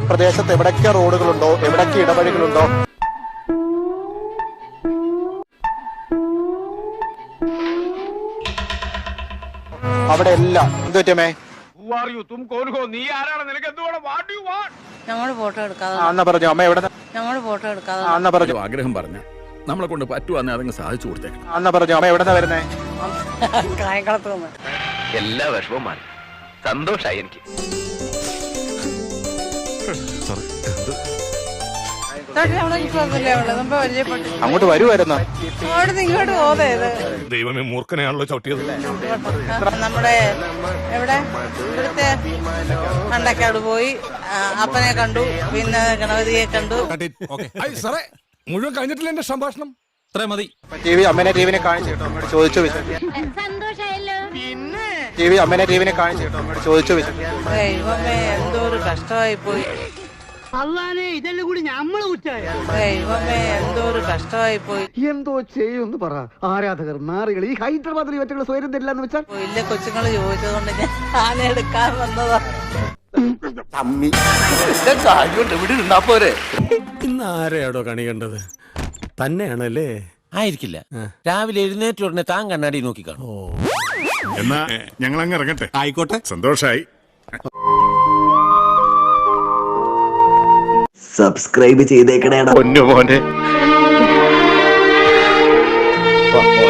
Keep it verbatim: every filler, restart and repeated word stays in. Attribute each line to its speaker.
Speaker 1: പ്രദേശത്ത് എവിടൊക്കെ റോഡുകളുണ്ടോ, എവിടൊക്കെ ഇടവഴികളുണ്ടോ, അവിടെ എല്ലാം എന്ത് പറ്റുമേ
Speaker 2: ഞങ്ങള് ഫോട്ടോ എടുക്കാതെ
Speaker 1: അന്ന പറഞ്ഞു അമ്മ എവിടെ
Speaker 2: ഞങ്ങള് ഫോട്ടോ എടുക്കാതെ
Speaker 1: അന്ന പറഞ്ഞു
Speaker 3: ആഗ്രഹം പറഞ്ഞ നമ്മളെ കൊണ്ട് പറ്റുവാന്നെ അതങ്ങ് സാധിച്ചു കൊടുത്തേക്കണം.
Speaker 1: അന്ന പറഞ്ഞു അമ്മ എവിടെന്നാ വരുന്നേ?
Speaker 2: കായംകുളത്ത് നിന്ന്
Speaker 4: എല്ലാ വിഷമവും മാറി സന്തോഷായി എനിക്ക്.
Speaker 1: അങ്ങോട്ട് വരുമായിരുന്നു.
Speaker 2: ഇങ്ങോട്ട് പോതേത്
Speaker 3: ദൈവമേ മൂർഖനെയാണല്ലോ ചവിട്ടിയത്.
Speaker 2: നമ്മുടെ എവിടെ ഇവിടുത്തെ മണ്ടക്കാട് പോയി അപ്പനെ കണ്ടു, പിന്നെ ഗണപതിയെ കണ്ടു.
Speaker 3: മുഴുവൻ കഴിഞ്ഞിട്ടില്ല എന്റെ സംഭാഷണം. ഇത്രേ മതി.
Speaker 1: ടി വി അമ്മേനെ ടിവിനെ കാണിച്ചു കേട്ടോ, അമ്മയോട് ചോദിച്ചു ടി വി അമ്മേനെ ടിവിനെ കാണിച്ചു കേട്ടോ, അമ്മയോട് ചോദിച്ചു
Speaker 2: ദൈവമേ എന്തോ ഒരു കഷ്ടമായി പോയി.
Speaker 5: ഇതെല്ലാം കൂടി നമ്മള് കുറ്റായ
Speaker 2: ദൈവമേ എന്തോ ഒരു കഷ്ടമായി പോയി.
Speaker 5: എന്തോ ചെയ്യുമെന്ന് പറ. ആരാധകർ നാറികൾ ഈ ഹൈദരാബാദിൽ ഇവറ്റകൾ സ്വയം തരില്ലെന്ന് വെച്ചാൽ
Speaker 2: ഇല്ല, കൊച്ചുങ്ങള് ചോദിച്ചതുകൊണ്ട് ഞാൻ ആന എടുക്കാൻ വന്നതാ.
Speaker 6: ഇന്ന് ആരെയാടോ കണി കണ്ടത്? തന്നെയാണല്ലേ?
Speaker 7: ആയിരിക്കില്ല. രാവിലെ എഴുന്നേറ്റ ഉടനെ താൻ കണ്ണാടി നോക്കി കാണും.
Speaker 3: എന്നാ ഞങ്ങൾ അങ്ങ് ഇറങ്ങട്ടെ.
Speaker 6: ആയിക്കോട്ടെ,
Speaker 3: സന്തോഷായി.
Speaker 8: സബ്സ്ക്രൈബ് ചെയ്തേക്കണേടാ
Speaker 4: പൊന്നു മോനെ.